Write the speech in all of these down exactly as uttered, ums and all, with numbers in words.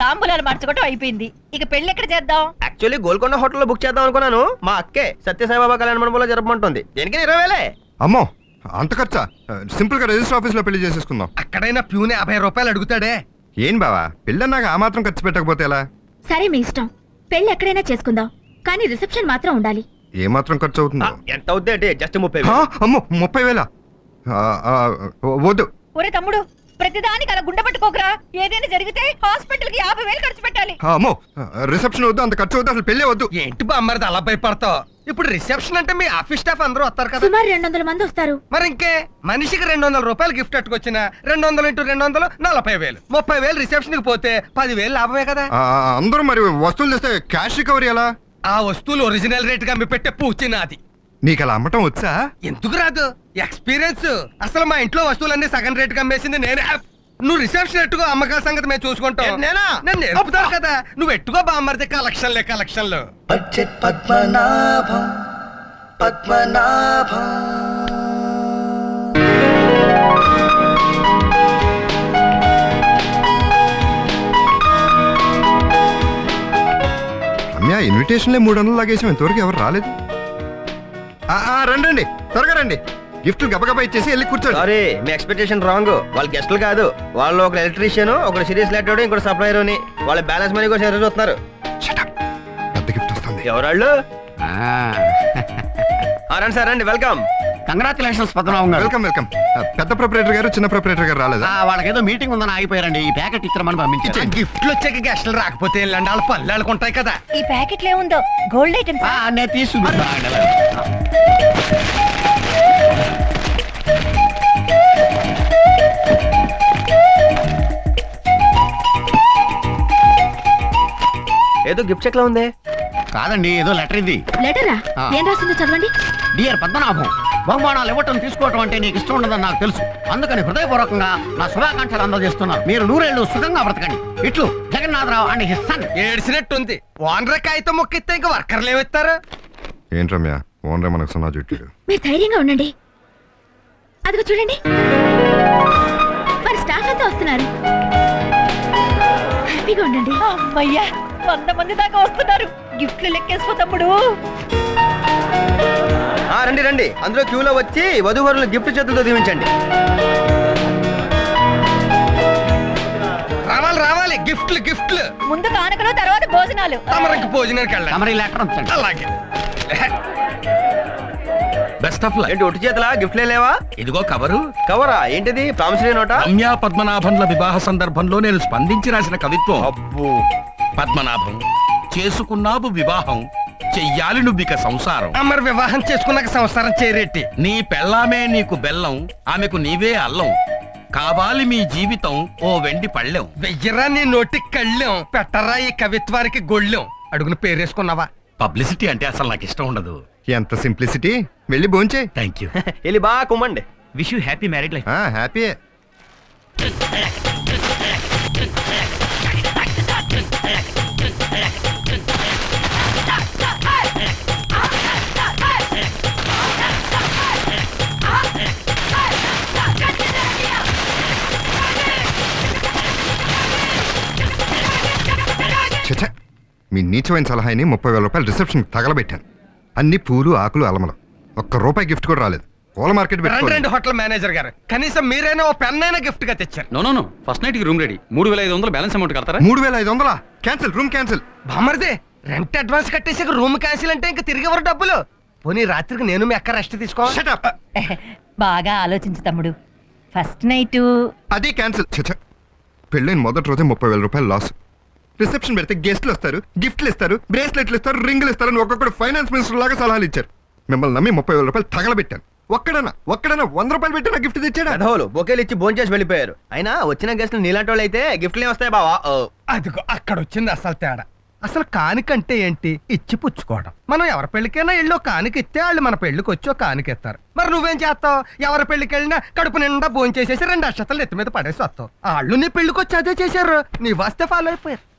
తాంబూలాలు మార్చుకోవటం అయిపోయింది. ఇక పెళ్లి ఎక్కడ చేద్దాం? యాక్చువల్లీ గోల్కొండ హోటల్లో బుక్ చేద్దాం అనుకున్నాను. మా అక్కే సత్యసాయిబాబా కళ్యాణ మండపంలో జరపమంటుంది. దేనికి ఇరవై వేలే. అమ్మో అంత ఖర్చా? సింపుల్ గా రిజిస్టర్ ఆఫీస్ లో పెళ్లి చేసేసుకుందాం. అక్కడైనా ప్యూనే యాభై రూపాయలు అడుగుతాడే. ఏం బావా పెళ్ళన్నాక ఆ మాత్రం ఖర్చు పెట్టకపోతే ఎలా? సరే మీ ఇష్టం, పెళ్లి ఎక్కడైనా చేసుకుందాం, కానీ రిసెప్షన్ మాత్రం ఉండాలి. ఏ మాత్రం ఖర్చు అవుతుందో? ఎంత అవుద్ది అంటే జస్ట్ ముప్పై ఆ, అమ్మో ముప్పై వేల వద్దు. ఒరే తమ్ముడు, ప్రతిదానికి అలా గుండె పట్టుకోకరా. ఏదైనా జరిగితే హాస్పిటల్ కి యాభై వేలు ఖర్చు పెట్టాలి. అమ్మో రిసెప్షన్ వద్దు, అంత ఖర్చు వద్దు, అసలు పెళ్ళే వద్దు. ఏంటి బామ్మరిది అలా భయపడతావు? ఇప్పుడు రిసెప్షన్ అంటే మీ ఆఫీస్ స్టాఫ్ అందరూ వస్తారు కదా. సుమారు రెండు వందల మంది వస్తారు. మరి ఇంకే మనిషికి రెండు వందల రూపాయలు గిఫ్ట్ అట్టుకొచ్చిన రెండు వందలు ఇంటూ రెండు వందలు నలభై వేలు ముప్పై వేలు రిసెప్షన్ కి పోతే పదివేలు లాభమే కదా. ఆ, అందరూ మరి వస్తువులు తెస్తే క్యాష్ రికవరీ ఎలా? ఆ వస్తువులు ఒరిజినల్ రేట్ గా మీ పెట్టే పూచి నాది. నీకు అలా అమ్మటం వచ్చా? ఎందుకు రాదు? ఎక్స్పీరియన్స్. అసలు మా ఇంట్లో వస్తువులన్నీ సగం రేట్ గా అమ్మేసింది నేనే. నువ్వు రిసెప్షన్ ఎట్టుకో, అమ్మకాల సంగతి మేము చూసుకుంటాం. నేనా? నేను నేర్పుతాను కదా. నువ్వు ఎట్టుకో బామ్మరిది. కలెక్షన్లే కలెక్షన్లు. బడ్జెట్ పద్మనాభం పద్మనాభం. రమ్య ఇన్విటేషన్లే మూడు వందలు లాగేసాం, ఇంతవరకు ఎవరు రాలేదు. ఆ, ఆ, రండి రండి త్వరగా రండి. గిఫ్ట్లు గబగబా ఇచ్చేసి వెళ్ళి కూర్చోండి. సారీ, మీ ఎక్స్పెక్టేషన్ రాంగ్. వాళ్ళు గెస్టులు కాదు, వాళ్ళు ఒక ఎలక్ట్రీషియన్, ఒక సిరీస్ లెటర్, ఇంకోటి సప్లైర్ అని. వాళ్ళ బ్యాలెన్స్ మనీ కోసం ఎదురు చూస్తున్నారు. పెద్ద గిఫ్ట్ వస్తుంది. ఎవరాళ్ళు? రండి సార్, రండి. వెల్కమ్. కంగ్రాచులేషన్స్ పద్మనాభం గారు. Welcome welcome. పెద్ద ప్రొపరేటర్ గారు చిన్న ప్రొపరేటర్ గారు రాలేదా? వాళ్ళకి ఏదో మీటింగ్ ఉందని ఆగిపోయారండి. ఈ ప్యాకెట్ ఇచ్చామని పంపించారు. గిఫ్ట్లు వచ్చాక గెస్టులు రాకపోతే వెళ్ళండి, వాళ్ళ పళ్ళు వాళ్ళకుంటాయి కదా. ఈ ప్యాకెట్లో ఏముందో? Gold items. నేను తీసుకుంటా. ఏదో గిఫ్ట్ చెక్ లా ఉంది. కాదండి, ఏదో లెటర్ ఇది. లెటరా? ఏం రాసిందో చదవండి. డియర్ పద్మనాభం, బహుమానాలు ఇవ్వటం తీసుకోవటం అంటే నీకు ఇష్టం ఉండదని నాకు తెలుసు. అందుకని హృదయపూర్వకంగా నా శుభాకాంక్షలు అందజేస్తున్నాను. మీరు నూరేళ్లు సుఖంగా బ్రతకండి. ఇట్లు జగన్నాథరావు అండ్ హిస్ సన్. ఏడ్చినట్టుంది. ఓనర్ కాగితం మొక్కిస్తే ఇంకా వర్కర్లు ఏమిస్తారు? ఏంటి రమ్య ఓనరే మనకు సున్నా చుట్టాడు. మీరు ధైర్యంగా ఉండండి. అదిగో చూడండి, మరి స్టాఫ్ అంతా వస్తున్నారు. హ్యాపీగా ఉండండి. అమ్మయ్యా, వంద మంది దాకా వస్తున్నారు. గిఫ్ట్లు లెక్కేసుకో తమ్ముడు. ఆ, రండి రండి. అందులో క్యూలో వచ్చి వధూవరులు గిఫ్ట్ చేతులతో దీవించండి. రావాలి రావాలి. గిఫ్ట్లు గిఫ్ట్లు. ముందు కానుకలు, తర్వాత భోజనాలు. తమరికి భోజనానికి వెళ్ళండి. తమరి లెటర్ ఉంచండి. అలాగే. Best of luck. ఏంటి ఒట్టి చేతలా? గిఫ్ట్లే లేవా? ఇదిగో కవరు. కవరా? ఏంటిది? ప్రామిసరీ నోటా? రమ్య పద్మనాభంల వివాహ సందర్భంలో నేను స్పందించి రాసిన కవిత్వం. అబ్బో. పద్మనాభం, చేసుకున్నావు వివాహం, చెయ్యాలి నువ్విక సంసారం. మరి వివాహం చేసుకున్నాక సంసారం చేరేటి. నీ పెళ్ళామే నీకు బెల్లం, ఆమెకు నీవే అల్లం. కావాలి మీ జీవితం ఓ వెండి పళ్ళెం. వెయ్యరా నీ నోటికి కళ్ళెం, పెట్టరా ఈ కవిత్వానికి గొళ్ళెం. అడుగున పేరేసుకున్నావా? పబ్లిసిటీ అంటే అసలు నాకు ఇష్టం ఉండదు. ఎంత సింప్లిసిటీ. వెళ్ళి భోంచే. Thank you. వెళ్ళి బాగా కుమ్మండి. Wish you happy married life. హ్యాపీయే. చచ్చా, మీ నీచమైన సలహాని ముప్పై వేల రూపాయలు రిసెప్షన్ తగలబెట్టాను. అన్ని పూలు ఆకులు అలమలు, ఒక్క రూపాయి గిఫ్ట్ కూడా రాలేదు. పూల మార్కెట్ రెండు రెండు హోటల్ మేనేజర్ గారు, కనీసం మీరైనా ఓ పెన్ అయినా గిఫ్ట్ గా తెచ్చారు. No no no first night కి రూమ్ రెడీ. మూడు వేల ఐదు వందలు బ్యాలెన్స్ అమౌంట్ కడతారా? మూడు వేల ఐదు వందలా? Cancel, room cancel. బామర్దే, రెంట్ అడ్వాన్స్ కట్టేసి రూమ్ క్యాన్సిల్ అంటే ఇంకా తిరిగి ఎవరు డబ్బులు? పోనీ రాత్రికి నేను మీ అక్క రెస్ట్ తీసుకో. Shut up. బాగా ఆలోచించు తమ్ముడు. ఫస్ట్ నైట్ అది క్యాన్సిల్. చచ్చా, పెళ్ళైన మొదటి రోజే ముప్పై వేల రూపాయలు లాస్. రిసెప్షన్ పెడితే గెస్ట్లు వస్తారు, గిఫ్ట్లు ఇస్తారు, బ్రేస్లెట్లు ఇస్తారు, రింగులు ఇస్తారు అని ఒక్కొక్కడు ఫైనాన్స్ మినిస్టర్ లాగా సలహాలు ఇచ్చారు. మిమ్మల్ని నమ్మి ముప్పై వేల రూపాయలు తగలబెట్టాను. ఒక్కడన్నా ఒక్కడన్నా వంద రూపాయలు పెట్టి నా గిఫ్ట్ తెచ్చాడా? పెదవులు బొకేలు ఇచ్చి భోజనం చేసి వెళ్ళిపోయారు. అయినా వచ్చిన గెస్ట్లు నీలాంటి వాళ్ళు అయితే గిఫ్ట్లే వస్తాయి బావా. అదిగో అక్కడ వచ్చింది అసలు తేడా. అసలు కానికంటే ఏంటి? ఇచ్చి పుచ్చుకోవడం. మనం ఎవరి పెళ్లికైనా ఇళ్ళు కానిక ఇస్తే వాళ్ళు మన పెళ్లికి వచ్చి కానిక ఇస్తారు. మరి నువ్వేం చేస్తావు? ఎవరి పెళ్లికి వెళ్ళినా కడుపు నిండా భోజనం చేసేసి రెండు అక్షతలు ఎత్తి మీద పడేసి వస్తావు. వాళ్ళు నీ పెళ్లికి వచ్చి అదే చేశారు, నీ వస్తే ఫాలో అయిపోయారు.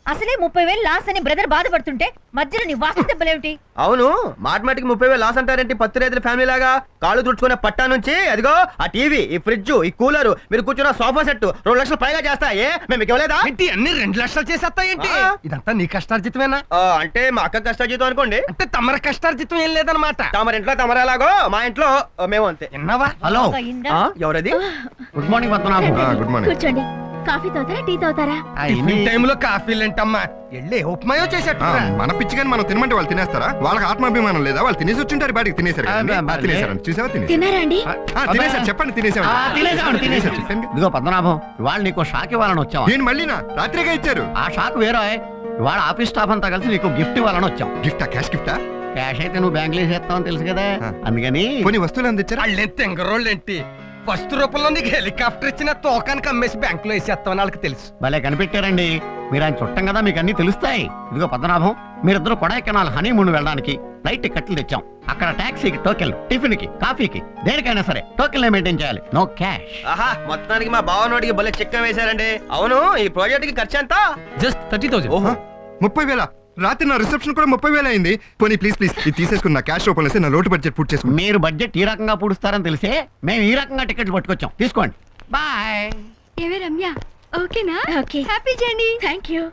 అసలే ముప్పై వేలు లాస్ అని బ్రదర్ బాధపడుతుంటే మధ్యలో నీ వాస్తు దెబ్బలేమిటి? అవును మాటిమాటికి ముప్పై వేలు లాస్ అంటారేంటి? పత్తి రైతుల ఫ్యామిలీ లాగా కాళ్ళు తుడుచుకునే పట్టా నుంచి అదిగో ఆ టీవీ, ఈ ఫ్రిడ్జ్, ఈ కూలర్, మీరు కూర్చున్న సోఫా సెట్ రెండు లక్షలు పైగా చేస్తాయే మేము మీకు ఇవ్వలేదా? ఏంటి అన్ని రెండు లక్షలు చేసేస్తాయేంటి? ఆ. ఇదంతా నీ కష్టార్జితమేనా? ఆ, అంటే మా అక్క కష్టాజీతం అనుకోండి. అంటే తమర కష్టార్జితం ఏం లేదనమాట. తమరి ఇంట్లో తమరేలాగో మా ఇంట్లో ఆ, మేము అంతే. విన్నావా? హలో ఒక ఇందా? ఆ, ఎవరది? Good morning Padmanabham. ఆ, గుడ్ మార్నింగ్. కూర్చోండి. కాఫీ తాగుతారా టీ తాగుతారా? ఆ, టిఫిన్ ఇన్ని- టైంలో కాఫీలు ఏంటమ్మా? వెళ్ళి ఉప్మాయో ఆ, చేసేట్టు మన పిచ్చి కానీ మనం తినమంటే వాళ్ళు తినేస్తారా? వాళ్ళకి ఆత్మాభిమానం లేదా? వాళ్ళు తినేసి వచ్చింటారు బాడికి తినేసారు ఆ, కదండి. బా- ఆ, తినేసారు చూసావా? తినేసారు తిన్నారా అండి? ఆ, తినేసారు చెప్పండి తినేసారు ఆ, తినేసామండి, తినేసాం. చెప్పాను. ఇదిగో పద్మనాభం ఇవాళ నీకు షాక్ ఇవ్వాలని వచ్చాం. నేను మళ్ళీనా రాత్రిగా ఇచ్చారు ఆ షాక్ వేరే. ఇవాళ ఆఫీస్ స్టాఫ్ అంతా కలిసి నీకు గిఫ్ట్ ఇవ్వాలని వచ్చాం. గిఫ్టా? క్యాష్ గిఫ్టా? క్యాష్ అయితే నువ్వు బ్యాంకులో వేసేస్తావని తెలుసు కదా, ఆ. అందుకని కొన్ని వస్తువులు అందించారా? వాళ్ళేం తెంగరోళ్ళేంటి? ఫస్ట్ రూపంలో నీకు హెలికాప్టర్ ఇచ్చిన తోకానికి అమ్మేసి బ్యాంకులో వేసేస్తామని వాళ్ళకి తెలుసు. భలే కనిపెట్టారండి. మీరు ఆయన చుట్టం కదా, మీకు అన్ని తెలుస్తాయి. ఇదిగో పద్మనాభం మీరిద్దరు కొడైకెనాల్ హనీమూన్ వెళ్ళడానికి ఫ్లైట్ టికెట్లు తెచ్చాం. అక్కడ టాక్సీకి టోకెన్, టిఫిన్ కి, కాఫీకి, దేనికైనా సరే టోకెన్ మెయింటైన్ చేయాలి. No cash. ఆహా మొత్తానికి మా బావ నోటికి భలే చెక్క వేశారండి. అవును ఈ ప్రాజెక్ట్ కి ఖర్చు ఎంత? Just thirty thousand. ఓహో ముప్పై వేల రాత్రి నా రిసెప్షన్ కూడా ముప్పై వేలు అయింది. పోనీ ప్లీజ్ ప్లీజ్ ఇది తీసేసుకుని నా క్యాష్ రూపంలో వేసి నా లోటు బడ్జెట్ పూర్తి చేసుకుని. మీరు బడ్జెట్ ఈ రకంగా పూడుస్తారని తెలిసే మేము ఈ రకంగా టికెట్లు పట్టుకొచ్చాం. తీసుకోండి. బాయ్. ఏవే రమ్య, ఓకేనా? Okay. Happy journey. Thank you.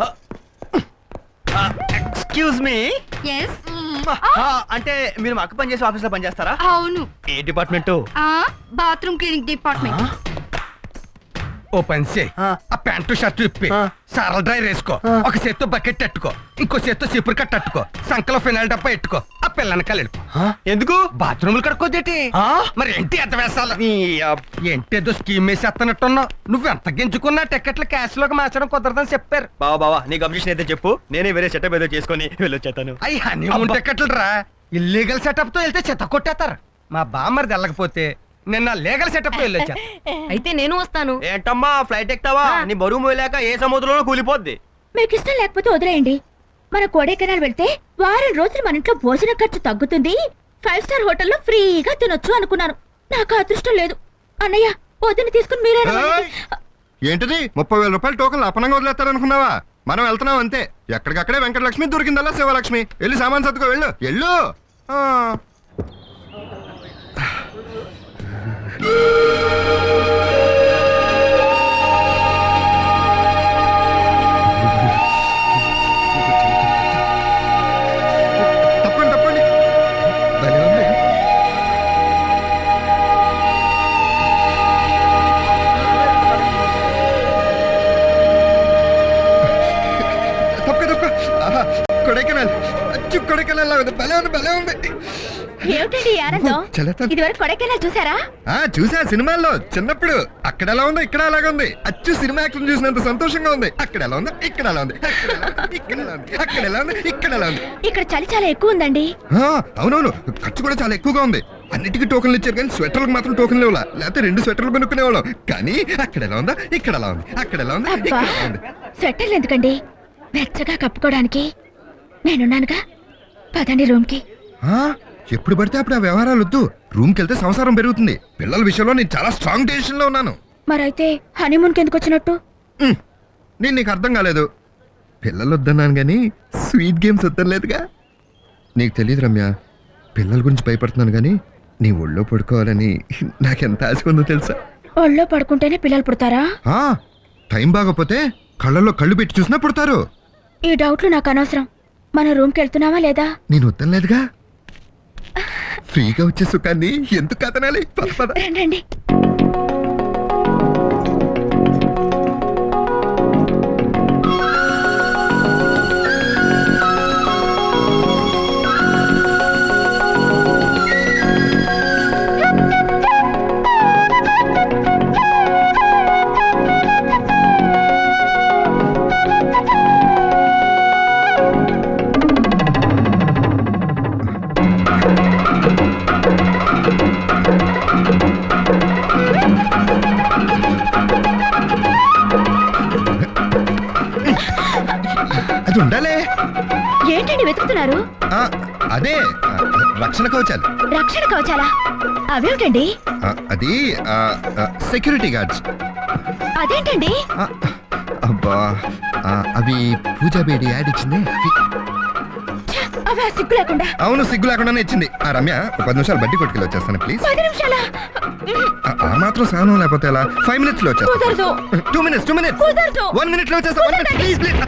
Excuse me. Yes అంటే మీరు మా అక్క పనిచేసే ఆఫీస్ లో పనిచేస్తారా? అవును. ఏ డిపార్ట్మెంట్? Bathroom cleaning department. ఓ పని చేయి, ఆ. ఆ ప్యాంటు షర్టు ఇప్పి ఆ. సారల డ్రై వేసుకో. ఒక చేత్తో బకెట్ అట్టుకో, ఇంకో చేత్తో సిపురు కట్ట అట్టుకో, సంకలో ఫినాయిల్ డబ్బా ఎట్టుకో. ఆ పిల్లనకాల వెళ్ళిపో. ఎందుకు? బాత్రూములు కడుక్కోదేటి? ఆ? మరి ఏంటి ఎంత వేసాలి? ఈ, అబ్- ఏంటి ఏదో స్కీమ్ వేసేస్తున్నట్టున్నావు. నువ్వు ఎంత గింజుకున్నా టికెట్లు క్యాష్ లోకి మార్చడం కుదరదని చెప్పారు. బావా బావా నీకు అబ్జెక్షన్ అయితే చెప్పు, నేనే వేరే సెటప్ ఏదో చేసుకొని వెళ్ళొచ్చేతాను. అయ్యి హనీమూన్ టికెట్లు రా. ఇల్లీగల్ సెటప్ తో వెళ్తే చెత్త కొట్టేస్తారు. మా బామ్మరిది వెళ్ళకపోతే నిన్న లీగల్ సెటప్ తో వెళ్ళొచ్చా. అయితే నేను వస్తాను. ఏంటమ్మా ఫ్లైట్ ఎక్కుతావా? నీ బరువు మోయలేక ఏ సముద్రంలో కూలిపోద్ది. మీకు ఇష్టం లేకపోతే వదిలేయండి. మన కొడైకెనాల్ వెళ్తే వారం రోజులు మన ఇంట్లో భోజన ఖర్చు తగ్గుతుంది, ఫైవ్ స్టార్ హోటల్లో ఫ్రీగా తినొచ్చు అనుకున్నాను. నాకు అదృష్టం లేదు. అన్నయ్య వదిన తీసుకుని మీరే ఏయ్! ఏంటిది ముప్పై వేల రూపాయలు టోకన్లు అపనంగా వదిలేస్తారనుకున్నావా? మనం వెళ్తున్నాం అంతే. ఎక్కడికక్కడే వెంకటలక్ష్మి దొరికిందల్లా శివలక్ష్మి. వెళ్ళి సామాన్ సర్దుకో వెళ్ళు వెళ్ళు. ఆ. తప్పండి తప్పండి. భలే ఉంది. తప్పక తప్పక. ఆహా, కొడైకెనాల్ అచ్చు కొడైకెనాల్ లా ఉంది. భలే ఉంది భలే ఉంది. ఏమిటండి ఈ ఆనందం? చల్లతా. ఇదివరకు కొడైకెనాల్ చూసారా? ఆ చూసా సినిమాల్లో చిన్నప్పుడు. అక్కడ ఎలా ఉందో ఇక్కడ అలాగే ఉంది. అచ్చు సినిమా యాక్షన్ చూసినంత సంతోషంగా ఉంది. అక్కడ ఎలా ఉంది ఇక్కడ ఎలా ఉంది, అక్కడ ఎలా ఉంది, ఇక్కడ ఎలా ఉంది, అక్కడ ఎలా ఉంది ఇక్కడ ఎలా ఉంది. ఇక్కడ చలి చాలా ఎక్కువ ఉందండి. ఆ, అవునవును ఖర్చు కూడా చాలా ఎక్కువగా ఉంది. అన్నిటికీ టోకన్లు ఇచ్చారు కానీ స్వెటర్లకు మాత్రం టోకన్లు ఇవ్వాల. లేకపోతే రెండు స్వెటర్లు కొనుక్కునేవాళ్ళం. కానీ అక్కడ ఎలా ఉందా ఇక్కడ ఎలా ఉంది, అక్కడ ఎలా ఉంది అబ్బా, ఇక్కడ ఎలా ఉంది. స్వెటర్లు ఎందుకండి? వెచ్చగా కప్పుకోవడానికి నేనున్నానుగా. పదండి రూమ్ కి. ఆ, ఎప్పుడు పడితే అప్పుడు ఆ వ్యవహారాలు వద్దు. రూమ్కి వెళ్తే సంసారం పెరుగుతుంది. పిల్లల విషయంలో నేను చాలా స్ట్రాంగ్ డెసిషన్ లో ఉన్నాను. మరైతే హనీమూన్ కి ఎందుకు వచ్చినట్టు? ఉమ్, నేను నీకు అర్థం కాలేదు. పిల్లలు వద్దన్నాను కానీ స్వీట్ గేమ్స్ వద్దలేదుగా. నీకు తెలియదు రమ్య, పిల్లల గురించి భయపడుతున్నాను కానీ నీ ఒళ్ళో పడుకోవాలని నాకెంత ఆశ ఉందో తెలుసా? ఒళ్ళో పడుకుంటేనే పిల్లలు పుడతారా? ఆ, టైం బాగపోతే కళ్ళల్లో కళ్ళు పెట్టి చూసినా పుడతారు. ఈ డౌట్లు నాకు అనవసరం. మన రూమ్ కి వెళ్తున్నావా లేదా? నేను వద్దలేదుగా. ఫ్రీగా వచ్చే సుఖాన్ని ఎందుకు కదనాలి? పద పద. రండి రండి. అది ఉండాలే. ఏంటండి వెతుకుతున్నారు? ఆ, అదే ఆ, రక్షణ కవచాలు. రక్షణ కవచాలా? అవేమిటండి? ఆ, అది సెక్యూరిటీ గార్డ్స్. అదేంటండి? ఆ, అబ్బా ఆ, అవి పూజా బేడి యాడ్ ఇచ్చింది అవి. అవి ఆ సిగ్గు లేకుండా అవును సిగ్గు లేకుండానే ఇచ్చింది. ఆ రమ్య ఒక పది నిమిషాలు బట్టి కొట్టుకెళ్ళి వచ్చేస్తాను ప్లీజ్. పది నిమిషాల ఆ- ఆ మాత్రం సహనం లేకపోతే ఎలా? ఫైవ్ మినిట్స్ లో వచ్చేస్తాను. కుదరదు టూ మినిట్స్ టూ మినిట్స్ కుదరదు వన్ మినిట్ లో వచ్చేస్తా. One minute please please.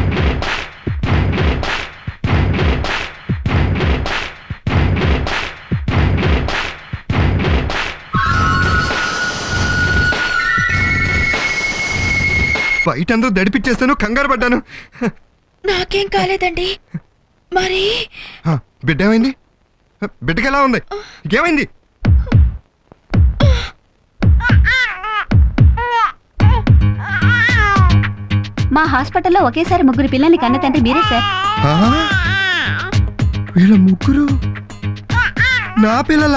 బయట అందరూ దడిపిచ్చేస్తాను, కంగారు పడ్డాను. నాకేం కాలేదండి. మరి ఆ, బిడ్డ ఏమైంది? బిడ్డకి ఎలా ఉంది? ఏమైంది? మా హాస్పిటల్లో ఒకేసారి ముగ్గురు పిల్లల్ని కన్న తండ్రి మీరే సార్. ఆ? వీళ్ళ ముగ్గురు నా పిల్లలా?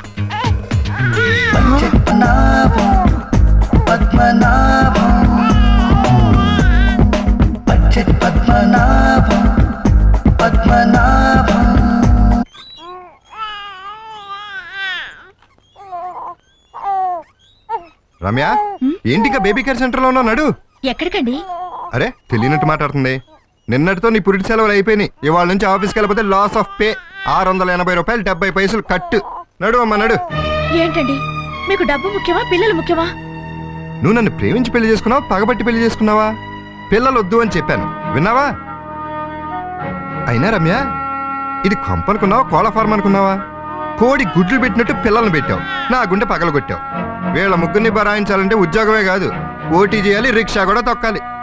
పద్మనాభం పద్మనాభం పచ్చటి పద్మనాభం పద్మనాభం. రమ్య ఏంటిగా బేబీ కేర్ సెంటర్ లో ఉన్నాడు? ఎక్కడికండి? అరే తెలియనట్టు మాట్లాడుతుంది. నిన్నటితో నీ పురిటి సెలవులు అయిపోయినాయి. ఇవాళ నుంచి ఆఫీస్కి వెళ్ళిపోతే లాస్ ఆఫ్ పే. ఆరు వందల ఎనభై రూపాయలు డెబ్బై పైసలు కట్టు. నడు అమ్మ నడు. ఏంటండి మీకు డబ్బు ముఖ్యమా పిల్లలు ముఖ్యమా? నువ్వు నన్ను ప్రేమించి పెళ్లి చేసుకున్నావా, పగబట్టి పెళ్లి చేసుకున్నావా? పిల్లలు వద్దు అని చెప్పాను, విన్నావా? అయినా రమ్య ఇది కొంపనుకున్నావా, కోళ్ళ ఫార్మ్ అనుకున్నావా? కోడి గుడ్లు పెట్టినట్టు పిల్లల్ని పెట్టావు, నా గుండె పగలగొట్టావు. వీళ్ళ ముగ్గురిని బరాయించాలంటే ఉద్యోగమే కాదు, ఓటీ చేయాలి, రిక్షా కూడా తొక్కాలి.